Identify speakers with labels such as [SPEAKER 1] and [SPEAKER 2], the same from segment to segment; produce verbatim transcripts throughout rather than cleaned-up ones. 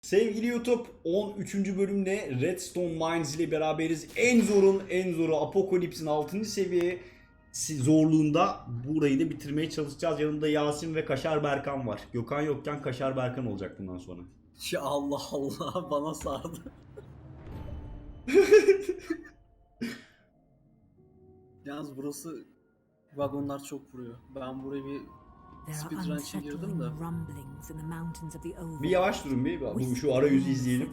[SPEAKER 1] Sevgili YouTube, on üçüncü bölümle Redstone Mines ile beraberiz. En zorun en zoru Apocalypse'in altıncı seviye zorluğunda burayı da bitirmeye çalışacağız. Yanımda Yasin ve Kaşar Berkan var. Gökhan yokken Kaşar Berkan olacak bundan sonra.
[SPEAKER 2] Ya Allah Allah, bana sardı. Yalnız burası, vagonlar çok vuruyor. Ben buraya bir speedrun için girdim de.
[SPEAKER 1] Bir yavaş durun bir. Bu şu arayüzü izleyelim.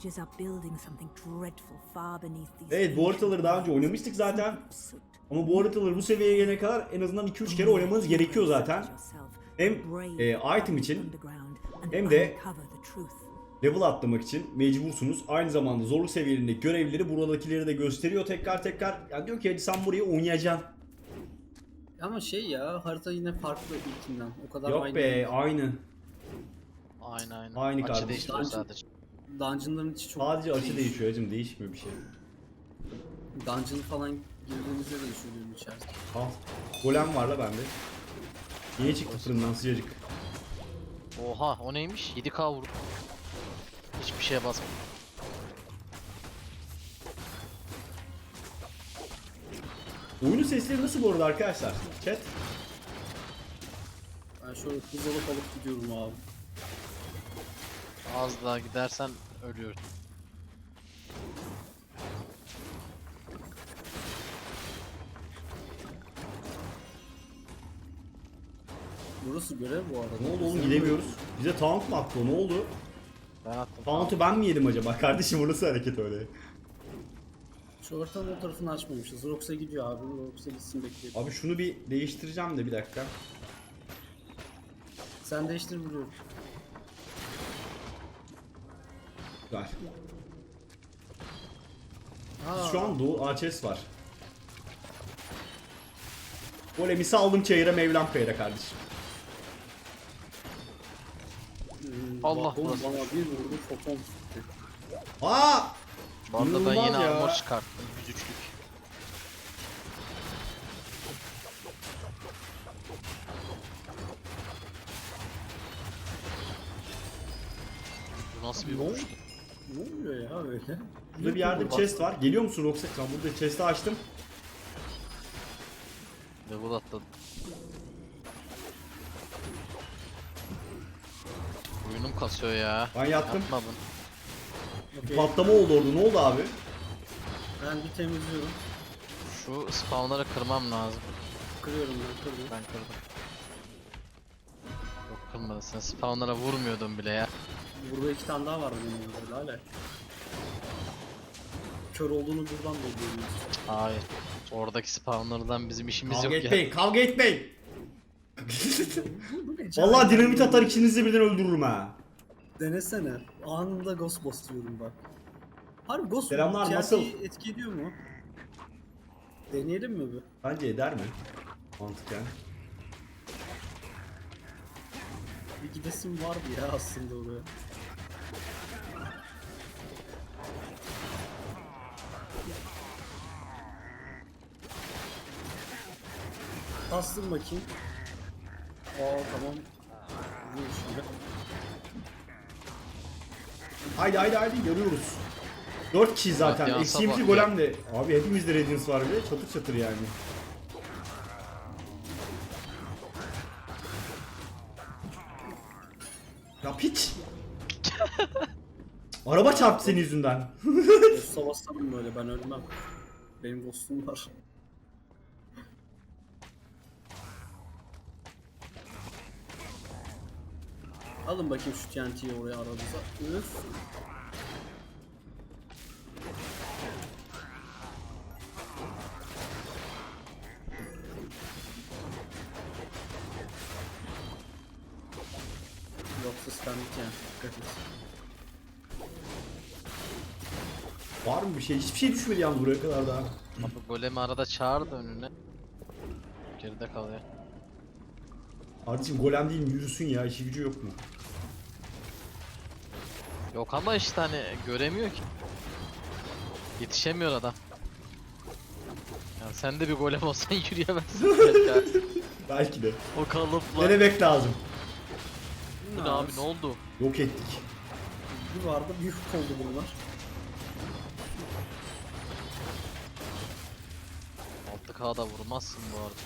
[SPEAKER 1] Evet, bu haritaları daha önce oynamıştık zaten. Ama bu haritaları bu seviyeye gelene kadar en azından iki üç kere oynamanız gerekiyor zaten. Hem e, item için hem de level atlamak için mecbursunuz. Aynı zamanda zorluk seviyelerindeki görevleri buradakileri de gösteriyor tekrar tekrar. Yani diyor ki hadi sen burayı oynayacaksın.
[SPEAKER 2] Ama şey ya, harita yine farklı ilkinden. O kadar
[SPEAKER 1] Yok
[SPEAKER 2] aynı
[SPEAKER 1] be,
[SPEAKER 2] değil.
[SPEAKER 1] aynı.
[SPEAKER 3] Aynı aynı.
[SPEAKER 1] Aynı
[SPEAKER 3] Açı
[SPEAKER 1] kardeşim.
[SPEAKER 3] değiştiriyor
[SPEAKER 2] Dungeon-
[SPEAKER 3] sadece.
[SPEAKER 2] Dungeon'ların içi çok
[SPEAKER 1] Sadece açı
[SPEAKER 2] değişiyor.
[SPEAKER 1] değişiyor hacım, değişmiyor bir şey.
[SPEAKER 2] Dungeon falan girdiğimizde de düşünüyorum içerisinde.
[SPEAKER 1] Al. Golem var la bende. Yeni çıktı fırından sıcacık.
[SPEAKER 3] Oha, o neymiş? yedi K vurdu. Hiçbir şeye basmadı.
[SPEAKER 1] Oyunun sesleri nasıl bu arada arkadaşlar? Chat.
[SPEAKER 2] Ben şöyle hız alıp alıp gidiyorum abi.
[SPEAKER 3] Az daha gidersen ölüyorsun.
[SPEAKER 2] Burası görev bu arada.
[SPEAKER 1] Ne oldu oğlum, gidemiyoruz. Bize taunt mu attı o, ne oldu?
[SPEAKER 3] Ben attım.
[SPEAKER 1] Taunt'u ben mi yedim acaba? Kardeşim o nasıl hareket öyle?
[SPEAKER 2] Şu haritanın o tarafını açmamışız. Rox'a gidiyor abi. Rox'a gitsin bekleyelim.
[SPEAKER 1] Abi şunu bir değiştireceğim de bir dakika.
[SPEAKER 2] Sen değiştir, vuruyorum.
[SPEAKER 1] Ver.
[SPEAKER 2] Aa,
[SPEAKER 1] Şu an Doğu A Ç S var. Golemi saldım çayıra, Mevlam kayıra kardeşim.
[SPEAKER 2] hmm,
[SPEAKER 3] Allah
[SPEAKER 2] bak oğlum,
[SPEAKER 3] burası.
[SPEAKER 2] bana bir vurdu, foton tuttu.
[SPEAKER 1] Aa!
[SPEAKER 3] Bu arada ben
[SPEAKER 1] İnanılmaz
[SPEAKER 3] yeni
[SPEAKER 1] ya.
[SPEAKER 3] armor çıkarttım. yüz üçlük. Bu nasıl bir
[SPEAKER 2] Ne oldu?
[SPEAKER 3] vuruştu?
[SPEAKER 2] Ne oluyor ya öyle?
[SPEAKER 1] Burada bir yerde bir chest var. Geliyor musun Roxette? Tamam, burada chest'i açtım.
[SPEAKER 3] Level atladım. Oyunum kasıyor ya.
[SPEAKER 1] Ben yattım.
[SPEAKER 3] Yapma bunu.
[SPEAKER 1] Bir
[SPEAKER 2] Okey,
[SPEAKER 1] patlama oldu orada. Ne oldu abi?
[SPEAKER 2] ben bir temizliyorum.
[SPEAKER 3] Şu spawnları kırmam lazım.
[SPEAKER 2] Kırıyorum ben, kırıyorum.
[SPEAKER 3] Ben kırdım. Yok, kırmadın. Sen spawnlara vurmuyordun bile ya.
[SPEAKER 2] Burada iki tane daha var benim burada hala. Kör olduğunu buradan da görüyoruz.
[SPEAKER 3] Hayır. Oradaki spawnlardan bizim işimiz
[SPEAKER 1] Kavga
[SPEAKER 3] yok ya.
[SPEAKER 1] etmeyin, kavga etmeyin.
[SPEAKER 2] Bu ne?
[SPEAKER 1] Vallahi dinamit atar, ikinizi de birden öldürürüm ha.
[SPEAKER 2] Denesene. Anında ghost basıyorum bak. Harbi ghost
[SPEAKER 1] Selamlar,
[SPEAKER 2] T N T'yi
[SPEAKER 1] nasıl?
[SPEAKER 2] etki ediyor mu? Deneyelim mi bir?
[SPEAKER 1] Bence eder mi? Mantıken.
[SPEAKER 2] Bir gidesim vardı ya aslında oraya. Bastım bakayım. Aa tamam. Vuruyor şimdi.
[SPEAKER 1] Haydi haydi haydi, yarıyoruz. dört kişi zaten.
[SPEAKER 3] Radiance'a
[SPEAKER 1] Eksiğimizi
[SPEAKER 3] bak
[SPEAKER 1] golem de. Abi hepimizde Radiance var bile. Çatır çatır yani. Ya piç. Araba çarptı senin yüzünden.
[SPEAKER 2] Ghost'a bassam böyle, ben ölmem. Benim ghost'um var. Alın bakayım şu T N T'yi oraya aranıza. Üf. Yoksa standik yani. Dikkat et.
[SPEAKER 1] Var mı bir şey? Hiçbir şey düşmedi yalnız buraya kadar daha.
[SPEAKER 3] Abi golemi arada çağır da önüne. Geride kalıyor.
[SPEAKER 1] Kardeşim golem değil mi? Yürüsün ya. İşi gücü yok mu?
[SPEAKER 3] Yok ama işte hani göremiyor ki. Yetişemiyor adam. Yani sen de bir golem olsan yürüyemezsin. belki.
[SPEAKER 1] Belki de.
[SPEAKER 3] O kalıpla.
[SPEAKER 1] Denemek lazım.
[SPEAKER 3] Bu ne abi, ne oldu?
[SPEAKER 1] Yok ettik.
[SPEAKER 2] Bir vardı bir yük oldu bunlar.
[SPEAKER 3] altı K'da vurmazsın bu arada.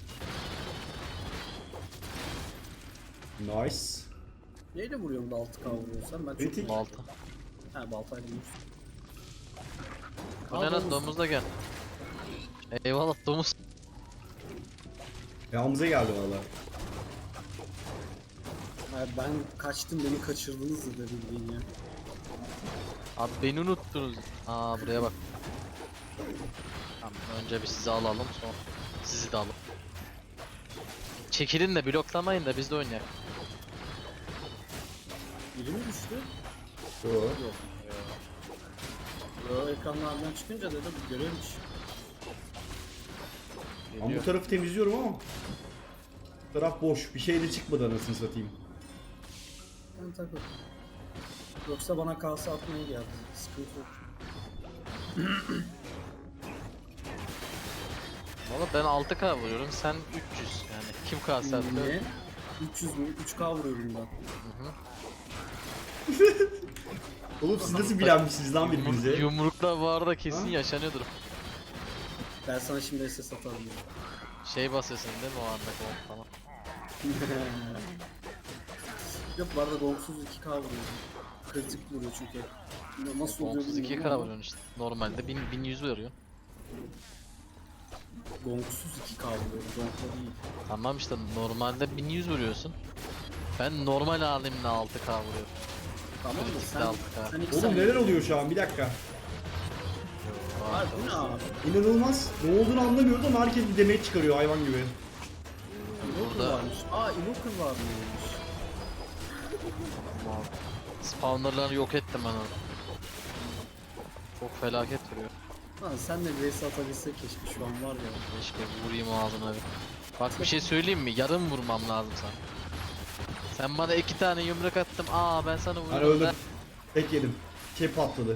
[SPEAKER 1] Nice.
[SPEAKER 2] Neyle vuruyorum da altı K vuruyorsan ben çok
[SPEAKER 1] Kritik.
[SPEAKER 3] Balta.
[SPEAKER 2] He baltayla vurursun.
[SPEAKER 3] Bu
[SPEAKER 2] Aa,
[SPEAKER 3] ne lan,
[SPEAKER 2] domuz.
[SPEAKER 3] domuz da gel. Eyvallah domuz.
[SPEAKER 1] Ya Hamza geldi valla.
[SPEAKER 2] Ha, ben kaçtım beni kaçırdınız da bildiğin ya.
[SPEAKER 3] Abi beni unuttunuz. Aa buraya bak. Tamam, önce bir sizi alalım sonra sizi de alalım. Çekilin de bloklamayın da biz de oynayalım.
[SPEAKER 2] Biri mi düştü?
[SPEAKER 1] Yo.
[SPEAKER 2] Yok. Yo ekranlardan çıkınca dedim görevmiş.
[SPEAKER 1] Ben bu
[SPEAKER 3] Geliyor.
[SPEAKER 1] tarafı temizliyorum ama bu taraf boş. Bir şey de çıkmadı anasını satayım.
[SPEAKER 2] Ben takıl. Yoksa bana kalsa atmaya geldi. Sıkıntı yok.
[SPEAKER 3] Valla ben altı K vuruyorum, sen üç yüz yani kim K sen de?
[SPEAKER 2] Ne? üç yüz mü? üç K vuruyorum ben.
[SPEAKER 1] Oğlum siz nasıl bilenmişsiniz lan birbirinize?
[SPEAKER 3] Yumrukla bu arada kesin
[SPEAKER 1] Ha?
[SPEAKER 3] yaşanıyordur.
[SPEAKER 2] Ben sana şimdi S S atarım.
[SPEAKER 3] Şey basıyorsun değil mi o anda gong falan.
[SPEAKER 2] Yok bu arada gongsuz iki K vuruyorum. Kritik vuruyor çünkü. Ya Nasıl oluyor
[SPEAKER 3] Gongsuz iki
[SPEAKER 2] bilmiyorum
[SPEAKER 3] K
[SPEAKER 2] ama
[SPEAKER 3] vuruyorsun işte. Normalde bin, bin yüz veriyor.
[SPEAKER 2] Gongsuz iki K vuruyorum. Gonkla değil.
[SPEAKER 3] Tamam işte normalde bin yüz vuruyorsun. Ben normal halimle altı K vuruyorum.
[SPEAKER 2] Tamam mı?
[SPEAKER 3] Kritikte
[SPEAKER 2] Sen,
[SPEAKER 3] altı K.
[SPEAKER 2] sen iki
[SPEAKER 1] Oğlum
[SPEAKER 2] saniye-
[SPEAKER 1] neler oluyor şu an? Bir dakika.
[SPEAKER 2] Var bu ne abi?
[SPEAKER 1] İnanılmaz. Ne olduğunu anlamıyoruz ama herkes bir demeç çıkarıyor hayvan gibi.
[SPEAKER 2] Invoker
[SPEAKER 3] Burada-
[SPEAKER 2] varmış. Aa Invoker varmış.
[SPEAKER 3] Tamam. Spawnerları yok ettim ben onu. Çok felaket vuruyor.
[SPEAKER 2] Lan sen de V S atabilsek keşke şu an var ya.
[SPEAKER 3] Keşke vurayım ağzına bir. Bak bir şey söyleyeyim mi? Yarım vurmam lazım sana. Sen bana iki tane yumruk attım. Aa ben sana vurdum.
[SPEAKER 1] Ben öldüm.
[SPEAKER 3] Ben-
[SPEAKER 1] Tek yedim. Şey patladı.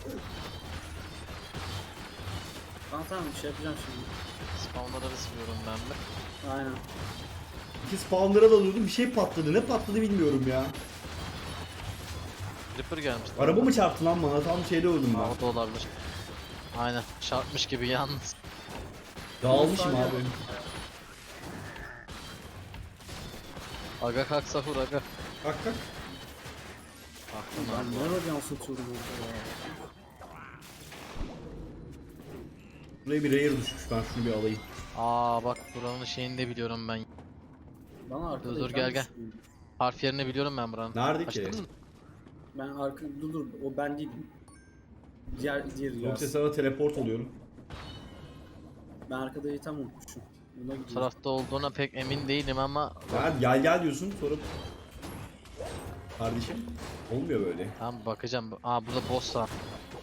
[SPEAKER 2] Tamam tamam bir şey yapacağım şimdi.
[SPEAKER 3] Spawnları sıkıyorum ben de.
[SPEAKER 2] Aynen.
[SPEAKER 1] İki spawnlara dalıyordum bir şey patladı. Ne patladı bilmiyorum ya.
[SPEAKER 3] Creeper gelmiş.
[SPEAKER 1] Araba mı çarptı lan bana? Tam şeyde öldüm
[SPEAKER 3] Aa,
[SPEAKER 1] ben.
[SPEAKER 3] o da olabilir. Aynen. Çarpmış gibi yalnız.
[SPEAKER 1] Dağılmışım
[SPEAKER 2] Saniye.
[SPEAKER 1] abi.
[SPEAKER 3] Aga kalk sahur aga.
[SPEAKER 1] Kalk kalk.
[SPEAKER 3] Aklım
[SPEAKER 2] Ben
[SPEAKER 3] aldı.
[SPEAKER 2] ne yapacağım satıyorum orada ya.
[SPEAKER 1] Buraya bir rare düşmüş ben şunu bir alayım.
[SPEAKER 3] Aa bak buranın şeyini de biliyorum ben.
[SPEAKER 2] Bana arkada
[SPEAKER 3] Dur, dur,
[SPEAKER 2] ekran
[SPEAKER 3] gel, gel.
[SPEAKER 2] düşüyor.
[SPEAKER 3] Harf yerini biliyorum ben buranın.
[SPEAKER 1] Nerede ki?
[SPEAKER 3] Açtın mı?
[SPEAKER 2] Ben arka dur dur o ben değilim. Diğer diğer
[SPEAKER 1] Yoksa
[SPEAKER 2] yaz.
[SPEAKER 1] sana teleport oluyorum.
[SPEAKER 2] Ben arkada item unutmuşum. Buna
[SPEAKER 3] Bu
[SPEAKER 2] gidiyorum.
[SPEAKER 3] tarafta olduğuna pek emin değilim ama
[SPEAKER 1] Gel gel, gel diyorsun sonra... Kardeşim olmuyor böyle.
[SPEAKER 3] tamam bakacağım. Aa burada boss var.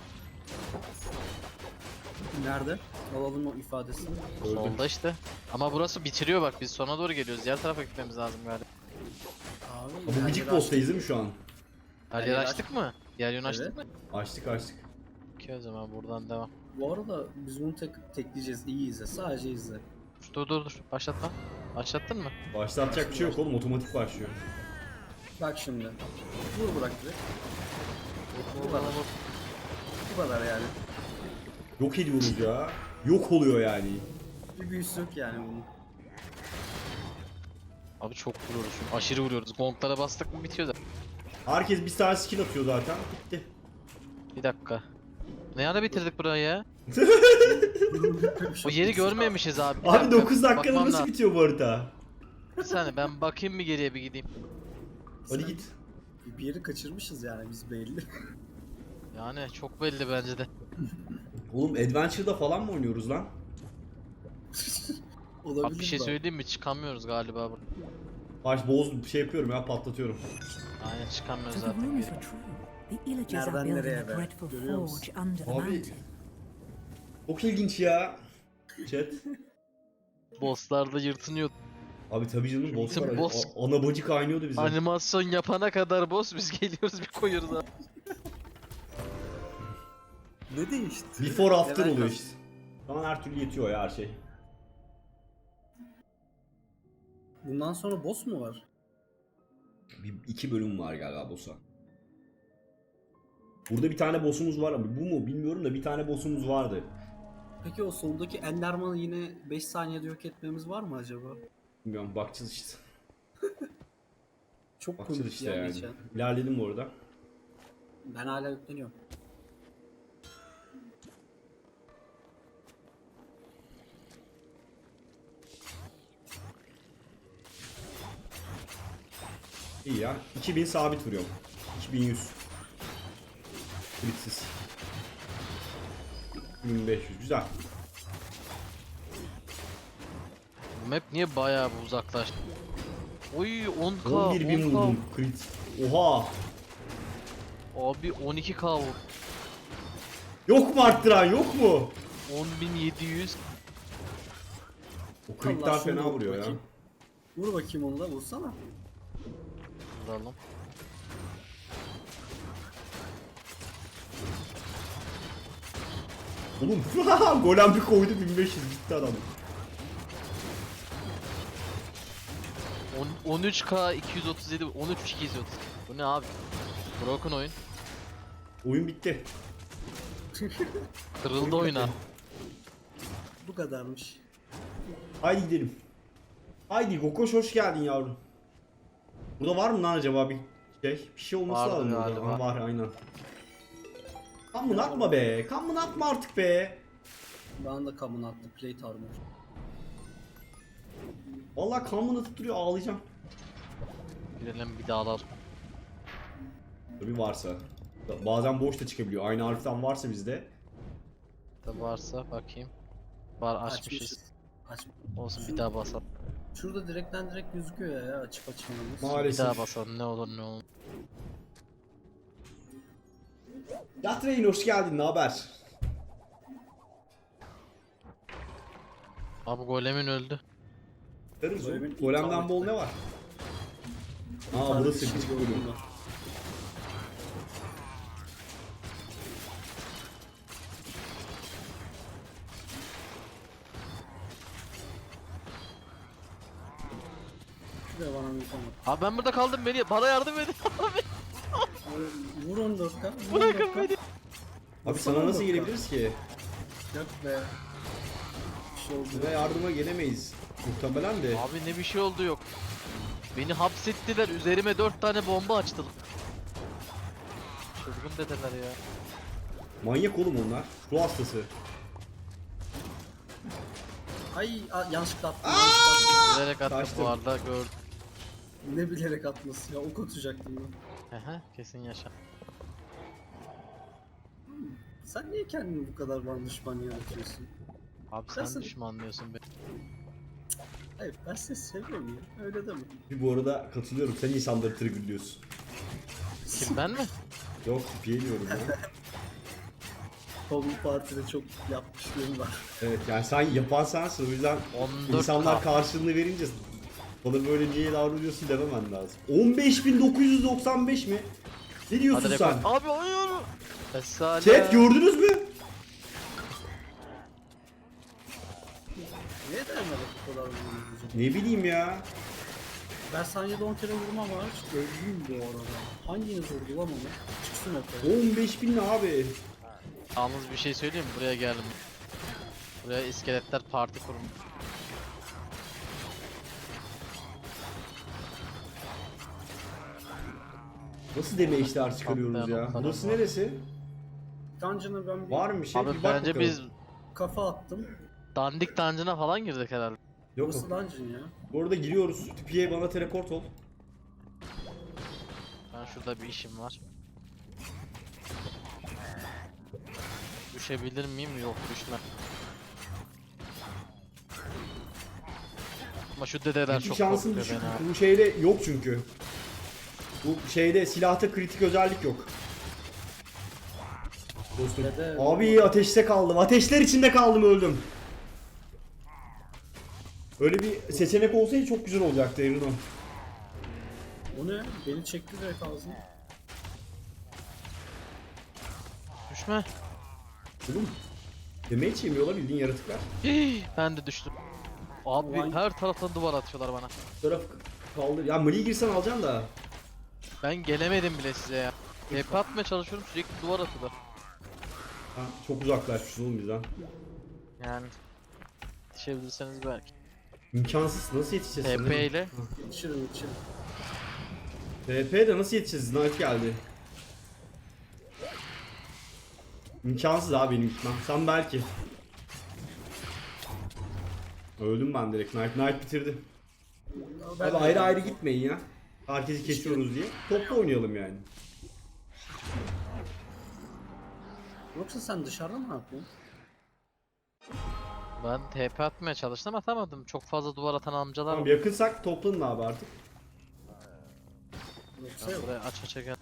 [SPEAKER 2] Nerede? Alalım o ifadesini.
[SPEAKER 1] Öldüm.
[SPEAKER 3] Solda işte. Ama burası bitiriyor bak, biz sona doğru geliyoruz. Diğer tarafa gitmemiz lazım galiba.
[SPEAKER 2] Abi.
[SPEAKER 1] Ha, bu
[SPEAKER 2] yerleri
[SPEAKER 1] gıcık boss'tayız
[SPEAKER 2] açtık.
[SPEAKER 1] değil mi şu an?
[SPEAKER 3] Her
[SPEAKER 2] Her
[SPEAKER 3] yer
[SPEAKER 2] yeri
[SPEAKER 3] açtık mı? Diğer yönü açtık
[SPEAKER 2] Evet.
[SPEAKER 3] mı?
[SPEAKER 1] Açtık açtık.
[SPEAKER 3] Okey o zaman buradan devam.
[SPEAKER 2] Bu arada biz bunu tek tekleyeceğiz. İyi izle. Sadece izle.
[SPEAKER 3] Dur dur dur. Başlatma. Başlattın mı?
[SPEAKER 1] Başlatacak bir şey yok oğlum otomatik başlıyor.
[SPEAKER 2] Bak şimdi. Vur bırak direkt.
[SPEAKER 3] Bu
[SPEAKER 2] kadar. Bu kadar yani.
[SPEAKER 1] Yok ediyoruz ya. Yok oluyor yani.
[SPEAKER 2] Bir büyüsü yok yani bunun.
[SPEAKER 3] Abi çok vuruyoruz şu an. Aşırı vuruyoruz. Gonglara bastık mı bitiyor da.
[SPEAKER 1] Herkes bir tane skill atıyor zaten. Bitti.
[SPEAKER 3] Bir dakika. Ne ara bitirdik burayı ya? O yeri görmemişiz abi. Bir
[SPEAKER 1] Abi
[SPEAKER 3] dakika,
[SPEAKER 1] dokuz dakikada
[SPEAKER 3] bakmam
[SPEAKER 1] nasıl
[SPEAKER 3] lazım.
[SPEAKER 1] bitiyor bu harita?
[SPEAKER 3] Bir saniye ben bakayım bir geriye bir gideyim.
[SPEAKER 1] Hadi
[SPEAKER 2] Sen-
[SPEAKER 1] git.
[SPEAKER 2] Bir yeri kaçırmışız yani biz belli.
[SPEAKER 3] Yani çok belli bence de.
[SPEAKER 1] Oğlum Adventure'da falan mı oynuyoruz lan?
[SPEAKER 2] Olabilir
[SPEAKER 3] Bak bir şey
[SPEAKER 2] bak.
[SPEAKER 3] söyleyeyim mi? Çıkamıyoruz galiba burada.
[SPEAKER 1] Baş boz şey yapıyorum ya patlatıyorum.
[SPEAKER 3] Aynen çıkamıyoruz
[SPEAKER 4] So the
[SPEAKER 3] zaten
[SPEAKER 4] rumors
[SPEAKER 3] geri.
[SPEAKER 4] were true. The Illagers are
[SPEAKER 2] Nereden
[SPEAKER 4] building
[SPEAKER 2] nereye
[SPEAKER 4] a
[SPEAKER 2] be?
[SPEAKER 4] dreadful
[SPEAKER 2] Görüyor musun?
[SPEAKER 4] forge under the
[SPEAKER 1] Abi.
[SPEAKER 4] mountain.
[SPEAKER 1] Çok ilginç ya. Chat.
[SPEAKER 3] Bosslarda yırtınıyor.
[SPEAKER 1] Abi tabii canım boss
[SPEAKER 3] Bizim
[SPEAKER 1] var.
[SPEAKER 3] boss-
[SPEAKER 1] A- ana bacı kaynıyordu bize.
[SPEAKER 3] Animasyon yapana kadar boss biz geliyoruz bir koyuyoruz abi.
[SPEAKER 2] Ne değişti?
[SPEAKER 1] Before after
[SPEAKER 2] Level
[SPEAKER 1] oluyor
[SPEAKER 2] kas-
[SPEAKER 1] işte. Şu an her türlü yetiyor ya her şey.
[SPEAKER 2] Bundan sonra boss mu var?
[SPEAKER 1] Bir, iki bölüm var galiba boss'a. Burada bir tane boss'umuz var ama bu mu bilmiyorum da bir tane boss'umuz vardı.
[SPEAKER 2] Peki o soldaki Enderman'ı yine beş saniyede yok etmemiz var mı acaba?
[SPEAKER 1] Bilmiyorum, bakacağız işte.
[SPEAKER 2] Çok
[SPEAKER 1] Bakacağız
[SPEAKER 2] komik
[SPEAKER 1] işte
[SPEAKER 2] ya
[SPEAKER 1] yani.
[SPEAKER 2] geçen.
[SPEAKER 1] İlerledim bu arada.
[SPEAKER 2] Ben hala yükleniyorum.
[SPEAKER 1] İyi ya. iki bin sabit vuruyorum. iki bin yüz. Kritsiz. iki bin beş yüz. Güzel.
[SPEAKER 3] Bu map niye bayağı bir uzaklaştı? Oy on k
[SPEAKER 1] on bir bin
[SPEAKER 3] on k.
[SPEAKER 1] vurdum. Crit. Oha.
[SPEAKER 3] Abi on iki k vur.
[SPEAKER 1] Yok mu arttıran, yok mu?
[SPEAKER 3] on bin yedi yüz.
[SPEAKER 1] O critler
[SPEAKER 2] Allah, şunu
[SPEAKER 1] fena
[SPEAKER 2] vur
[SPEAKER 1] vuruyor ya.
[SPEAKER 2] bakayım. Vur bakayım onu da vursana.
[SPEAKER 3] Vuralım.
[SPEAKER 1] Oğlum golem bir koydu, bin beş yüz gitti adam.
[SPEAKER 3] on- 13k iki yüz otuz yedi, on üç iki yüz otuz. Bu ne abi? Broken oyun.
[SPEAKER 1] Oyun bitti.
[SPEAKER 3] Kırıldı oyuna.
[SPEAKER 2] Bu kadarmış.
[SPEAKER 1] Haydi gidelim. Haydi Gokoş, hoş geldin yavrum. Burada var mı lan acaba bir şey? Bir şey olması
[SPEAKER 3] Vardır
[SPEAKER 1] lazım burada.
[SPEAKER 3] galiba.
[SPEAKER 1] Ha, var aynen. Kan atma be. Kan atma artık be.
[SPEAKER 2] Bana da kamın attı plate armor.
[SPEAKER 1] Vallahi kan atıp duruyor, ağlayacağım.
[SPEAKER 3] Gidelim bir daha alalım.
[SPEAKER 1] Tabii varsa. Bazen boş da çıkabiliyor. Aynı harften varsa bizde.
[SPEAKER 3] Da varsa bakayım. Var açmışız.
[SPEAKER 2] Açmışız. Aç.
[SPEAKER 3] Olsun bir daha basalım.
[SPEAKER 2] Şurada direkten direkt gözüküyor ya, ya açıp açmamız.
[SPEAKER 3] Bir
[SPEAKER 1] Maalesef.
[SPEAKER 3] daha basalım ne olur ne olur.
[SPEAKER 1] Yatreyin, hoş geldin. Ne haber?
[SPEAKER 3] Abi golemin öldü.
[SPEAKER 1] Tarız o.
[SPEAKER 2] Golemin
[SPEAKER 1] Golemden
[SPEAKER 2] intihar
[SPEAKER 1] bol
[SPEAKER 2] etti.
[SPEAKER 1] ne var? Aa,
[SPEAKER 2] Sadece
[SPEAKER 1] burası
[SPEAKER 2] şey
[SPEAKER 1] küçük
[SPEAKER 2] gördüm
[SPEAKER 1] bölüm.
[SPEAKER 2] ben. Şuraya bana bir tane.
[SPEAKER 3] Abi ben burada kaldım, beni bana yardım edin.
[SPEAKER 2] Vur on dört K.
[SPEAKER 3] Bırakın beni.
[SPEAKER 1] Abi sana nasıl gelebiliriz ki?
[SPEAKER 2] Yok be. Bir şey oldu.
[SPEAKER 1] Size yardıma gelemeyiz. Muhtemelen de.
[SPEAKER 3] Abi ne bir şey oldu yok. Beni hapsettiler, üzerime dört tane bomba açtılar. Çılgın dediler ya.
[SPEAKER 1] Manyak oğlum onlar. Ruh hastası.
[SPEAKER 2] Ay a, yanlışlıkla attım. yanlışlıkla attım.
[SPEAKER 3] Bilerek attım
[SPEAKER 1] Kaçtım.
[SPEAKER 3] bu arada gördüm.
[SPEAKER 2] Ne bilerek atması ya, ok atacaktım ben.
[SPEAKER 3] Hehe kesin yaşa.
[SPEAKER 2] Sen niye kendini bu kadar bana düşman yaratıyorsun?
[SPEAKER 3] Abi sen
[SPEAKER 2] Nasıl?
[SPEAKER 3] düşmanlıyorsun beni.
[SPEAKER 2] Hayır, ben seni seviyorum ya, öyle deme.
[SPEAKER 1] Bu arada katılıyorum. Sen insanları triggerlıyorsun.
[SPEAKER 3] Kim, ben mi?
[SPEAKER 1] Yok, tipiye diyorum ya.
[SPEAKER 2] Home Party'de çok yapmışlığım var.
[SPEAKER 1] Evet, yani sen yapan sensin. O yüzden
[SPEAKER 3] on dört
[SPEAKER 1] insanlar
[SPEAKER 3] K.
[SPEAKER 1] karşılığını verince bana böyle niye davranıyorsun dememen lazım. on beş bin dokuz yüz doksan beş mi? Ne diyorsun
[SPEAKER 3] Hadi
[SPEAKER 1] sen?
[SPEAKER 3] rekor. Abi oynuyorum. Esale.
[SPEAKER 1] Chat gördünüz mü?
[SPEAKER 2] Niye dayanmadık bu kadar vurduğunuz?
[SPEAKER 1] Ne bileyim ya.
[SPEAKER 2] Ben saniyede on kere vurmam var. Öldüm bu arada. Hanginiz vurdu lan onu? Çıksın ortaya.
[SPEAKER 1] on beş bin ne abi?
[SPEAKER 3] Yalnız bir şey söyleyeyim mi? Buraya geldim. Buraya iskeletler parti kurmuş.
[SPEAKER 1] Nasıl deme işler çıkarıyoruz
[SPEAKER 3] Atlayan
[SPEAKER 1] ya?
[SPEAKER 3] noktalar
[SPEAKER 1] Burası
[SPEAKER 3] var.
[SPEAKER 1] neresi?
[SPEAKER 2] Dungeon'a ben bir
[SPEAKER 1] Var mı bir şey?
[SPEAKER 3] Abi
[SPEAKER 1] Bir bak
[SPEAKER 3] bence
[SPEAKER 1] bakalım.
[SPEAKER 3] biz
[SPEAKER 2] kafa attım.
[SPEAKER 3] dandik dungeon'a falan girdik herhalde.
[SPEAKER 1] Yok.
[SPEAKER 2] Burası dungeon ya.
[SPEAKER 1] Bu arada giriyoruz. Tipiye bana teleport ol.
[SPEAKER 3] Ben şurada bir işim var. Düşebilir miyim? Yok, düşmem. Ama şu dedeler
[SPEAKER 1] Hiç
[SPEAKER 3] çok
[SPEAKER 1] şansın
[SPEAKER 3] korkuyor
[SPEAKER 1] düşük.
[SPEAKER 3] beni abi.
[SPEAKER 1] Bu şeyde yok çünkü. Bu şeyde silahta kritik özellik yok. Dostum.
[SPEAKER 2] Dede-
[SPEAKER 1] Abi ateşte kaldım. Ateşler içinde kaldım, öldüm. Öyle bir seçenek olsaydı çok güzel olacaktı Erino.
[SPEAKER 2] O ne? Beni çekti direkt ağzına.
[SPEAKER 3] Düşme.
[SPEAKER 1] Oğlum. Damage yemiyorlar bildiğin yaratıklar.
[SPEAKER 3] Hii, ben de düştüm. Abi
[SPEAKER 2] Vay.
[SPEAKER 3] her taraftan duvar atıyorlar bana.
[SPEAKER 1] Bu taraf kaldır. Ya Mali'ye girsen alacaksın da.
[SPEAKER 3] Ben gelemedim bile size ya. T P atmaya çalışıyorum, sürekli duvar atıyorlar.
[SPEAKER 1] Ha, çok uzaklaşmışız oğlum bizden.
[SPEAKER 3] Yani yetişebilirseniz belki.
[SPEAKER 1] İmkansız, nasıl yetişeceğiz?
[SPEAKER 3] T P ile
[SPEAKER 2] Yetişirim yetişirim.
[SPEAKER 1] T P'de nasıl yetişeceğiz? Knight geldi. İmkansız abi benim gitmem. Sen belki. Öldüm ben direkt. Knight, Knight bitirdi.
[SPEAKER 2] Ben
[SPEAKER 1] Abi
[SPEAKER 2] de-
[SPEAKER 1] ayrı ayrı gitmeyin ya. Herkesi kesiyoruz diye. Toplu oynayalım yani.
[SPEAKER 2] Yoksa sen dışarıda mı yapıyorsun?
[SPEAKER 3] ben T P atmaya çalıştım, atamadım. Çok fazla duvar atan amcalar
[SPEAKER 1] Tamam
[SPEAKER 3] var.
[SPEAKER 1] yakınsak toplanın abi artık.
[SPEAKER 2] Yoksa
[SPEAKER 3] Ben
[SPEAKER 2] yok.
[SPEAKER 3] buraya aç aça gel.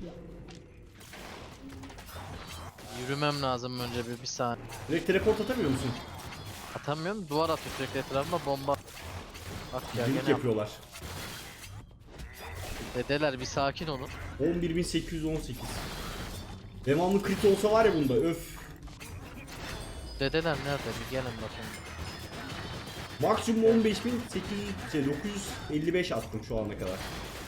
[SPEAKER 3] Yürümem lazım önce bir, bir saniye.
[SPEAKER 1] Direkt teleport atamıyor musun?
[SPEAKER 3] Atamıyorum, duvar atıyor sürekli etrafıma, bomba. Bak ya
[SPEAKER 1] Link
[SPEAKER 3] gene yap.
[SPEAKER 1] yapıyorlar.
[SPEAKER 3] Dedeler bir sakin olun.
[SPEAKER 1] on bir bin sekiz yüz on sekiz. Devamlı crit olsa var ya bunda öf.
[SPEAKER 3] Dedeler nerede, bir gelin bakın.
[SPEAKER 1] Maksimum on beş bin sekiz yüz şey dokuz yüz elli beş attım şu ana kadar.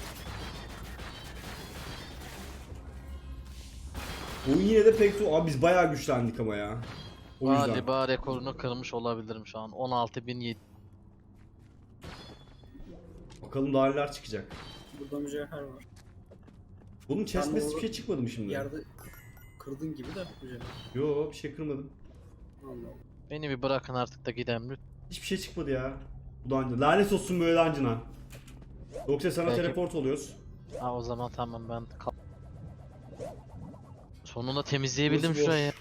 [SPEAKER 1] Oyun yine de pek zor. Abi biz bayağı güçlendik ama ya. O yüzden.
[SPEAKER 3] Galiba rekorunu kırmış olabilirim şu an. on altı bin yedi.
[SPEAKER 1] Bakalım daha neler çıkacak.
[SPEAKER 2] Burada mücevher var.
[SPEAKER 1] Bunun chest'mesi
[SPEAKER 2] orada
[SPEAKER 1] bir şey çıkmadı mı şimdi?
[SPEAKER 2] Yerde kırdın gibi de mücevher.
[SPEAKER 1] Yo bir şey kırmadım.
[SPEAKER 2] Allah Allah.
[SPEAKER 3] Beni bir bırakın artık da gidelim lütfen.
[SPEAKER 1] Hiçbir şey çıkmadı ya. Bu dungeon. Lanet olsun böyle dungeon'a. Yoksa sana
[SPEAKER 3] Belki-
[SPEAKER 1] teleport oluyoruz.
[SPEAKER 3] Ha o zaman tamam, ben kal. Sonunda temizleyebildim
[SPEAKER 1] Burası boş.
[SPEAKER 3] şurayı.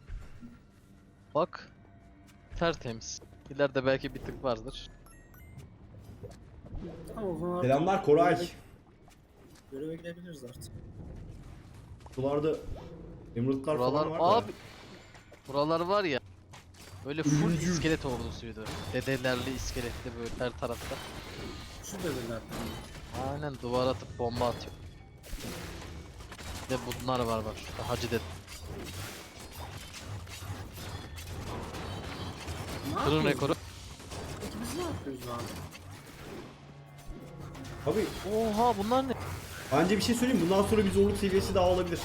[SPEAKER 3] Bak. Tertemiz. İleride belki bir tık vardır.
[SPEAKER 2] Tamam o zaman artık
[SPEAKER 1] Selamlar Koray.
[SPEAKER 2] Göreve, göreve gidebiliriz artık.
[SPEAKER 1] Buralarda emeraldlar falan
[SPEAKER 3] Buralar
[SPEAKER 1] var da.
[SPEAKER 3] abi. Buralar var ya. Böyle full
[SPEAKER 1] Ölümcül.
[SPEAKER 3] iskelet ordusuydu. Dedelerli iskeletli böyle her tarafta.
[SPEAKER 2] Şu devirler.
[SPEAKER 3] Aynen, duvar atıp bomba atıyor. Bir de bunlar var bak şurada, hacı dede.
[SPEAKER 2] Ne
[SPEAKER 3] Kırın
[SPEAKER 2] yapıyoruz?
[SPEAKER 3] rekoru.
[SPEAKER 2] Peki biz ne yapıyoruz abi?
[SPEAKER 1] Abi
[SPEAKER 3] Oha bunlar ne?
[SPEAKER 1] bence bir şey söyleyeyim. Bundan sonra bir zorluk seviyesi daha olabilir.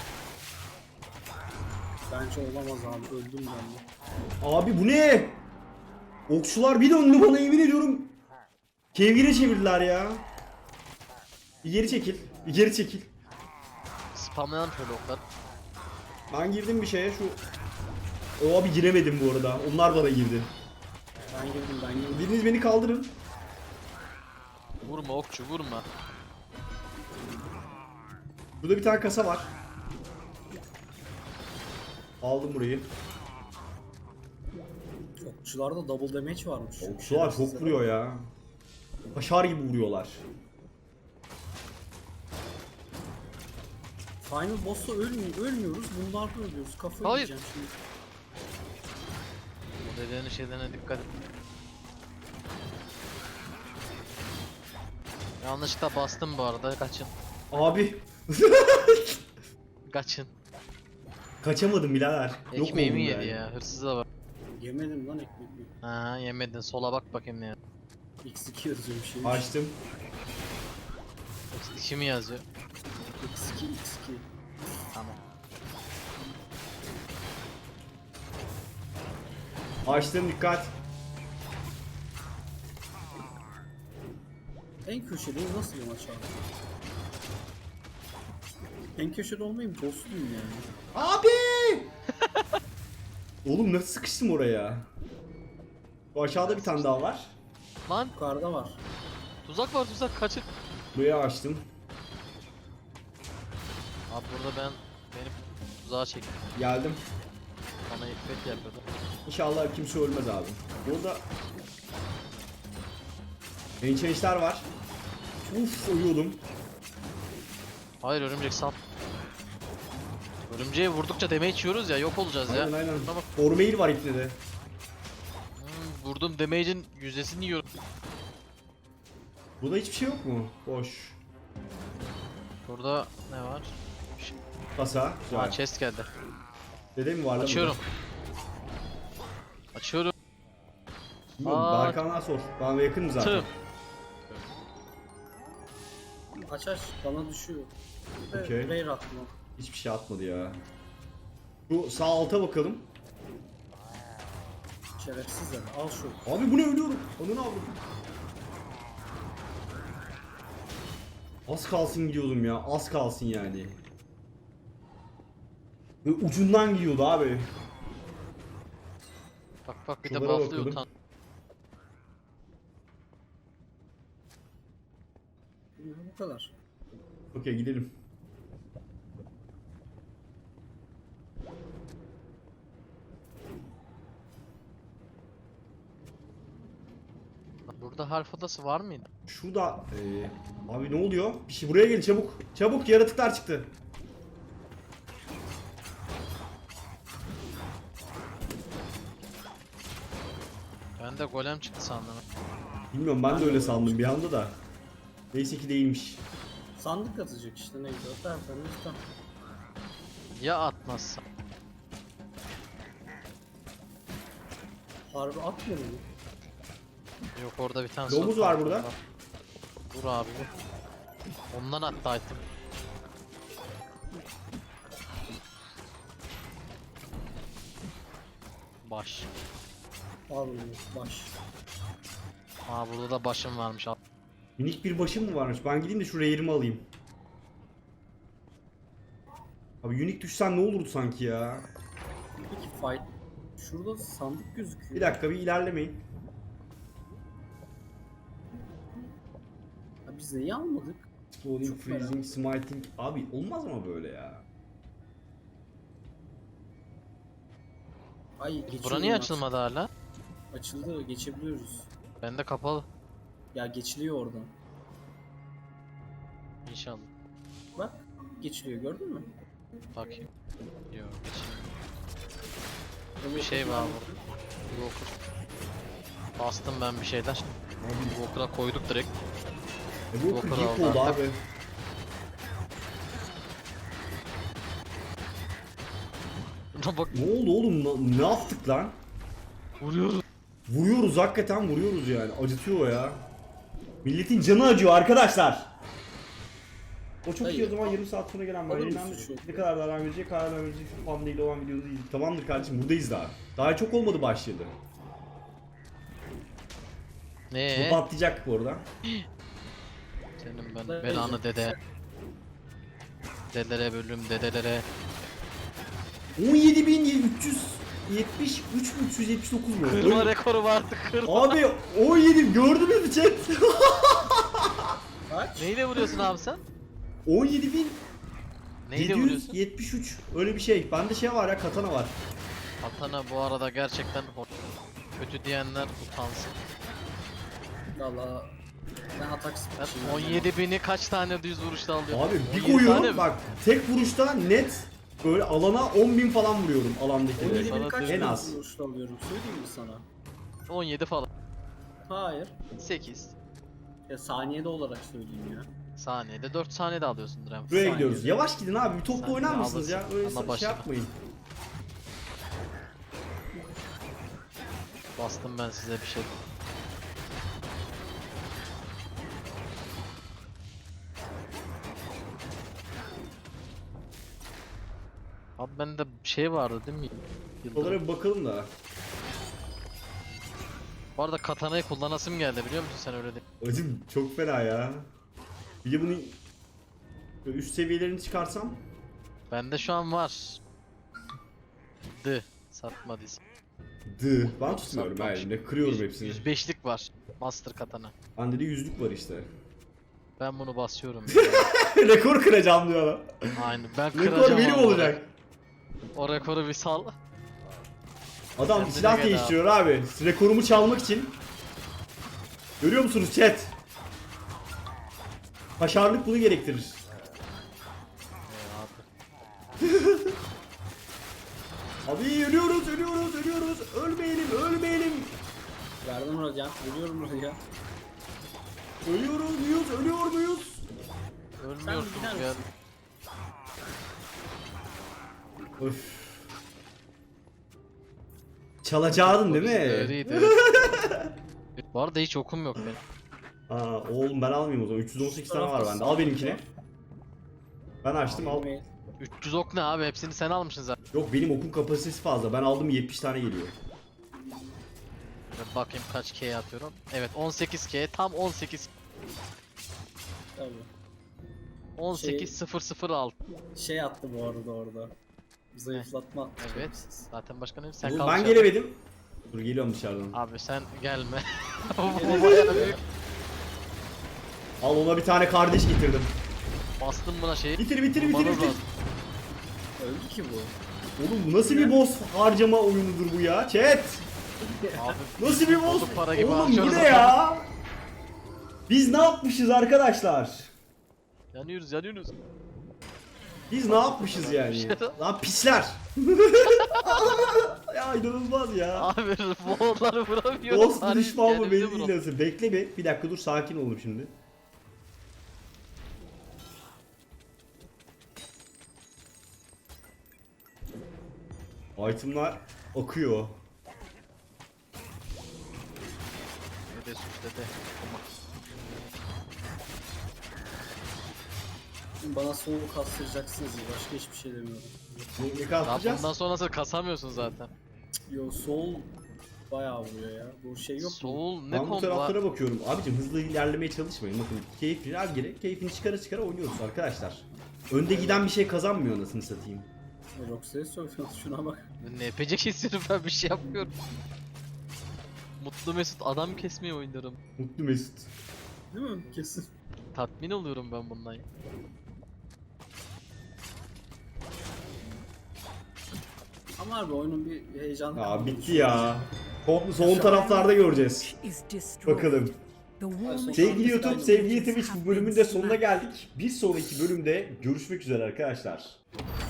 [SPEAKER 2] Bence olamaz abi. Öldüm ben de.
[SPEAKER 1] Abi bu ne? Okçular bir döndü bana, yemin ediyorum. Kevgire çevirdiler ya. Bir geri çekil. Bir geri çekil.
[SPEAKER 3] Spamlayan şöyle oklar.
[SPEAKER 1] Ben girdim bir şeye şu. O abi giremedim bu arada. Onlar bana girdi.
[SPEAKER 2] Ben girdim ben girdim.
[SPEAKER 1] Biriniz beni kaldırın.
[SPEAKER 3] Vurma okçu vurma.
[SPEAKER 1] Burada bir tane kasa var. Aldım burayı.
[SPEAKER 2] Okçularda double damage varmış.
[SPEAKER 1] Okçular çok
[SPEAKER 2] Şerefsizler.
[SPEAKER 1] vuruyor ya. Başar gibi vuruyorlar.
[SPEAKER 2] Final boss'ta ölmüyor, ölmüyoruz. Bunlarda ölüyoruz. Kafayı
[SPEAKER 3] Hayır.
[SPEAKER 2] yiyeceğim şimdi.
[SPEAKER 3] Bu dedenin şeylerine dikkat et. Yanlışlıkla bastım bu arada, kaçın.
[SPEAKER 1] Abi
[SPEAKER 3] Kaçın.
[SPEAKER 1] kaçamadım birader. Yok
[SPEAKER 3] Ekmeğimi
[SPEAKER 1] oldum
[SPEAKER 3] yedi
[SPEAKER 1] yani.
[SPEAKER 3] ya, hırsıza bak.
[SPEAKER 2] Yemedim lan ekmeği.
[SPEAKER 3] Ha yemedin, sola bak bakayım ne yazıyor.
[SPEAKER 2] X iki yazıyor bir şey.
[SPEAKER 1] Açtım.
[SPEAKER 3] Yoksa iki mi yazıyor?
[SPEAKER 2] X iki X iki.
[SPEAKER 3] Tamam.
[SPEAKER 1] Açtım, dikkat.
[SPEAKER 2] En köşedeyim, nasıl bir maç abi? En köşede olmayayım, boss'luyum yani.
[SPEAKER 1] Abi! Oğlum nasıl sıkıştım oraya? Bu aşağıda bir tane daha var.
[SPEAKER 3] Lan
[SPEAKER 2] Yukarıda var.
[SPEAKER 3] tuzak var, tuzak, kaçın.
[SPEAKER 1] Buraya açtım.
[SPEAKER 3] Abi burada ben benim tuzağa çektim.
[SPEAKER 1] Geldim.
[SPEAKER 3] Bana iffet yapıyordu.
[SPEAKER 1] İnşallah kimse ölmez abi. Burada enchantler var. Uf, uyuyordum.
[SPEAKER 3] Hayır, örümcek sap. Örümceğe vurdukça damage yiyoruz ya, yok olacağız ya.
[SPEAKER 1] Aynen aynen.
[SPEAKER 3] Şuna bak.
[SPEAKER 1] Ormail var ipne de.
[SPEAKER 3] Hmm, vurdum damage'in yüzdesini yiyorum.
[SPEAKER 1] Burada hiçbir şey yok mu? Boş.
[SPEAKER 3] Burada ne var?
[SPEAKER 1] Kasa. Güzel.
[SPEAKER 3] Aa chest geldi.
[SPEAKER 1] Dede mi var lan
[SPEAKER 3] Açıyorum. Açıyorum.
[SPEAKER 1] burada? Bilmiyorum.
[SPEAKER 3] Aa.
[SPEAKER 1] Berkan'a sor. Bana yakın zaten.
[SPEAKER 3] Tım.
[SPEAKER 2] Aç aç, bana düşüyor. Bir de
[SPEAKER 1] Okey.
[SPEAKER 2] Rare attım o.
[SPEAKER 1] Hiçbir şey atmadı ya. Şu sağ alta bakalım.
[SPEAKER 2] Şerefsizler. Al şu.
[SPEAKER 1] Abi bu ne, ölüyorum. Onu ne yapayım? Az kalsın gidiyordum ya. Az kalsın yani. Ve ucundan gidiyordu abi.
[SPEAKER 3] Bak bak bir de
[SPEAKER 1] Şuralara
[SPEAKER 3] buff'lıyor
[SPEAKER 1] bakalım.
[SPEAKER 3] utan.
[SPEAKER 2] Bu kadar.
[SPEAKER 1] Okey, gidelim.
[SPEAKER 3] Burada harf odası var mıydı?
[SPEAKER 1] Şurada eee, abi ne oluyor? Bir şey, buraya gel çabuk. Çabuk, yaratıklar çıktı.
[SPEAKER 3] Ben de golem çıktı sandım.
[SPEAKER 1] Bilmiyorum, ben de öyle sandım bir anda da. Neyse ki değilmiş.
[SPEAKER 2] Sandık atacak işte ne güzel. Tertemiz tam.
[SPEAKER 3] Ya atmazsa?
[SPEAKER 2] Harbi atmıyor mu?
[SPEAKER 3] Yok orada bir tane
[SPEAKER 1] Domuz
[SPEAKER 3] soru
[SPEAKER 1] var burada.
[SPEAKER 3] Dur abi bu. Ondan attı item. Baş.
[SPEAKER 2] Al bunu. Baş.
[SPEAKER 3] Aa burada da başım varmış. Al.
[SPEAKER 1] Minik bir başım mı varmış? Ben gideyim de şu reyerimi alayım. Abi unique düşsen ne olurdu sanki ya?
[SPEAKER 2] Peki fight. Şurada sandık gözüküyor.
[SPEAKER 1] Bir dakika, bir ilerlemeyin.
[SPEAKER 2] Ya biz neyi almadık?
[SPEAKER 1] Exploding,
[SPEAKER 2] Çok merak
[SPEAKER 1] freezing, smiting. Abi olmaz ama böyle ya.
[SPEAKER 2] Ay geçiyor.
[SPEAKER 3] Bura niye
[SPEAKER 2] bunlar.
[SPEAKER 3] açılmadı hala?
[SPEAKER 2] Açıldı. Geçebiliyoruz.
[SPEAKER 3] Bende kapalı.
[SPEAKER 2] Ya geçiliyor oradan.
[SPEAKER 3] İnşallah.
[SPEAKER 2] Bak. Geçiliyor gördün mü?
[SPEAKER 3] Bakayım. Yok geçeyim. Bir şey var burada. Walker. Bastım ben bir şeyler. Walker'a koyduk direkt.
[SPEAKER 1] E bu
[SPEAKER 3] Walker
[SPEAKER 1] kırık
[SPEAKER 3] aldı
[SPEAKER 1] oldu
[SPEAKER 3] artık.
[SPEAKER 1] abi.
[SPEAKER 3] Bak
[SPEAKER 1] Ne oldu oğlum? Na- Ne yaptık lan?
[SPEAKER 3] vuruyoruz.
[SPEAKER 1] Vuruyoruz, hakikaten vuruyoruz yani. Acıtıyor o ya. Milletin canı acıyor arkadaşlar. O çok iyi,
[SPEAKER 2] Hayır.
[SPEAKER 1] o zaman yarım saat sonra gelen
[SPEAKER 2] Alır
[SPEAKER 1] var.
[SPEAKER 2] mısın
[SPEAKER 1] Yayından
[SPEAKER 2] şu?
[SPEAKER 1] ne kadar daha verecek, karar verecek şu fan değil olan videoda değil. Tamamdır kardeşim, buradayız daha. Daha çok olmadı başladı. Bu
[SPEAKER 3] Ne?
[SPEAKER 1] patlayacak bu arada.
[SPEAKER 3] Senin ben
[SPEAKER 2] Ne
[SPEAKER 3] belanı
[SPEAKER 2] diyecek?
[SPEAKER 3] dede. Dedelere bölüm dedelere.
[SPEAKER 1] on yedi bin üç yüz yetmiş üç bin üç yüz yetmiş dokuz mu?
[SPEAKER 3] Kırma
[SPEAKER 1] Öyle-
[SPEAKER 3] rekoru vardı kırma.
[SPEAKER 1] Abi on yedi, gördünüz mü chat?
[SPEAKER 2] Kaç?
[SPEAKER 3] Neyle vuruyorsun abi sen?
[SPEAKER 1] on yedi bin
[SPEAKER 3] Neyle
[SPEAKER 1] yedi yüz
[SPEAKER 3] vuruyorsun?
[SPEAKER 1] yetmiş üç, öyle bir şey. Bende şey var ya, katana var.
[SPEAKER 3] Atana bu arada gerçekten hor- kötü diyenler utansın.
[SPEAKER 2] Valla ben atak
[SPEAKER 3] Ben
[SPEAKER 2] speed'im.
[SPEAKER 3] on yedi bini kaç tane düz vuruşta alıyorum?
[SPEAKER 1] Abi bir
[SPEAKER 3] on yedi tane
[SPEAKER 1] koyuyorum
[SPEAKER 3] mi?
[SPEAKER 1] bak, tek vuruşta net böyle alana on bin falan vuruyorum
[SPEAKER 2] on
[SPEAKER 1] alandakilere.
[SPEAKER 2] yedi bin
[SPEAKER 3] Sana
[SPEAKER 2] kaç
[SPEAKER 1] en
[SPEAKER 2] en
[SPEAKER 1] az.
[SPEAKER 2] vuruşta alıyorum söyleyeyim mi sana?
[SPEAKER 3] on yedi falan.
[SPEAKER 2] Hayır.
[SPEAKER 3] sekiz.
[SPEAKER 2] Ya saniyede olarak söyleyeyim ya.
[SPEAKER 3] Saniyede dört saniyede alıyorsundur hem.
[SPEAKER 1] Buraya
[SPEAKER 2] Saniye.
[SPEAKER 1] gidiyoruz. Yavaş gidin abi, bir topla
[SPEAKER 3] Sen
[SPEAKER 1] oynar
[SPEAKER 3] de
[SPEAKER 1] mısınız ya?
[SPEAKER 3] alırsın.
[SPEAKER 1] Öyle
[SPEAKER 3] Ana
[SPEAKER 1] şey
[SPEAKER 3] başına.
[SPEAKER 1] yapmayın.
[SPEAKER 3] Bastım ben size bir şey. Abi bende şey vardı değil mi? Yıldırım.
[SPEAKER 1] Oralara bir bakalım da.
[SPEAKER 3] Bu arada katanayı kullanasım geldi biliyor musun sen öyle değil.
[SPEAKER 1] Acım çok fena ya. Bir de bunu böyle üst seviyelerini çıkarsam.
[SPEAKER 3] Bende şu an var. D. Satmadıysa.
[SPEAKER 1] Dı. Ben tutmuyorum her
[SPEAKER 3] Satmamış.
[SPEAKER 1] yerinde. Kırıyorum
[SPEAKER 3] Yüz-
[SPEAKER 1] hepsini.
[SPEAKER 3] yüz beşlik var. Master katana.
[SPEAKER 1] Bende de yüzlük var işte.
[SPEAKER 3] Ben bunu basıyorum.
[SPEAKER 1] Rekor kıracağım diyor adam.
[SPEAKER 3] Aynen ben kıracağım.
[SPEAKER 1] Rekor benim
[SPEAKER 3] abi.
[SPEAKER 1] olacak.
[SPEAKER 3] O rekoru bir sal.
[SPEAKER 1] Adam
[SPEAKER 3] Kendine
[SPEAKER 1] silah
[SPEAKER 3] gel
[SPEAKER 1] değiştiriyor abi. Rekorumu çalmak için. Görüyor musunuz chat? Başarılık bunu gerektirir.
[SPEAKER 3] Ee, abi.
[SPEAKER 1] Abi ölüyoruz, ölüyoruz, ölüyoruz. Ölmeyelim, ölmeyelim.
[SPEAKER 2] Verdim hocam. Geliyorum oraya.
[SPEAKER 1] Ölüyoruz muyuz, ölüyor muyuz?
[SPEAKER 3] Ölmüyorsunuz
[SPEAKER 2] gider
[SPEAKER 3] ya.
[SPEAKER 2] misin?
[SPEAKER 1] Öf. Çalacaktın değil mi?
[SPEAKER 3] Öyleydi, evet. Bu arada hiç okum yok benim.
[SPEAKER 1] Aa, oğlum ben almayayım o zaman. üç yüz on sekiz tane var bende. Al benimkini. Ben açtım, al.
[SPEAKER 2] Mail.
[SPEAKER 3] üç yüz ok ne abi? Hepsini sen almışsın zaten.
[SPEAKER 1] Yok benim okun kapasitesi fazla. Ben aldım yetmiş tane geliyor.
[SPEAKER 3] Bir bakayım kaç K atıyorum. Evet on sekiz K, tam on sekiz.
[SPEAKER 2] Tabii.
[SPEAKER 3] on sekiz sıfır sıfır altı.
[SPEAKER 2] Şey attı bu arada orada. Zayıflatma attı.
[SPEAKER 3] Evet.
[SPEAKER 2] şerefsiz.
[SPEAKER 3] Zaten başka ne? Sen
[SPEAKER 1] Oğlum
[SPEAKER 3] kal
[SPEAKER 1] ben
[SPEAKER 3] dışarıda.
[SPEAKER 1] gelemedim. Dur geliyorum dışarıdan.
[SPEAKER 3] Abi sen gelme. Bu bayağı büyük.
[SPEAKER 1] Al ona bir tane kardeş getirdim.
[SPEAKER 3] Bastım buna şeyi.
[SPEAKER 1] Bitir bitir bitir
[SPEAKER 3] Vurmanız
[SPEAKER 1] bitir.
[SPEAKER 3] lazım.
[SPEAKER 2] Öldü ki bu.
[SPEAKER 1] Oğlum bu nasıl bir boss harcama oyunudur bu ya? Chat.
[SPEAKER 3] Abi
[SPEAKER 1] Nasıl bir boss?
[SPEAKER 3] bozuk para gibi
[SPEAKER 1] Oğlum bu
[SPEAKER 3] harcıyoruz
[SPEAKER 1] ne
[SPEAKER 3] adam.
[SPEAKER 1] ya? Biz ne yapmışız arkadaşlar?
[SPEAKER 3] yanıyoruz yanıyoruz.
[SPEAKER 1] Biz ne yapmışız yani? Lan pisler. Ya inanılmaz ya.
[SPEAKER 3] Abi boğulları vuramıyorum.
[SPEAKER 1] Boss
[SPEAKER 3] Bari
[SPEAKER 1] düşman mı
[SPEAKER 3] kendimizi
[SPEAKER 1] belli
[SPEAKER 3] vuralım.
[SPEAKER 1] değil nasıl. Bekle bir. Bir dakika dur sakin olun şimdi. Itemlar akıyor.
[SPEAKER 3] Dede sus dede.
[SPEAKER 2] Bana soğuk kastıracaksınız ya. Başka hiçbir şey demiyorum.
[SPEAKER 1] Ne, ne
[SPEAKER 3] Daha
[SPEAKER 1] kalkacağız?
[SPEAKER 3] bundan sonrası kasamıyorsun zaten.
[SPEAKER 2] Yo soul bayağı vuruyor ya. Bu şey yok mu?
[SPEAKER 3] Soul ne
[SPEAKER 1] Ben bu
[SPEAKER 3] kombo var?
[SPEAKER 1] taraflara bakıyorum. Abicim hızlı ilerlemeye çalışmayın. Bakın keyifli her gire keyfini çıkara çıkara oynuyoruz arkadaşlar. Önde giden bir şey kazanmıyor anasını satayım.
[SPEAKER 2] Roxy'ye söylüyorsun şuna bak.
[SPEAKER 3] Ne yapacak istiyorum ben bir şey yapmıyorum. Mutlu Mesut adam kesmeyi oynarım.
[SPEAKER 1] Mutlu Mesut.
[SPEAKER 2] Değil mi? Kesin.
[SPEAKER 3] Tatmin oluyorum ben bundan. ya.
[SPEAKER 2] Ama abi oyunun bir heyecanı
[SPEAKER 1] Aa
[SPEAKER 2] kalmadı
[SPEAKER 1] bitti
[SPEAKER 2] şu
[SPEAKER 1] ya.
[SPEAKER 2] an.
[SPEAKER 1] Son, son taraflarda göreceğiz. Bakalım.
[SPEAKER 2] Sevgili
[SPEAKER 1] Sevgili YouTube,
[SPEAKER 2] YouTube,
[SPEAKER 1] sevgili Twitch bu bölümün de sonuna geldik. Bir sonraki bölümde görüşmek üzere arkadaşlar.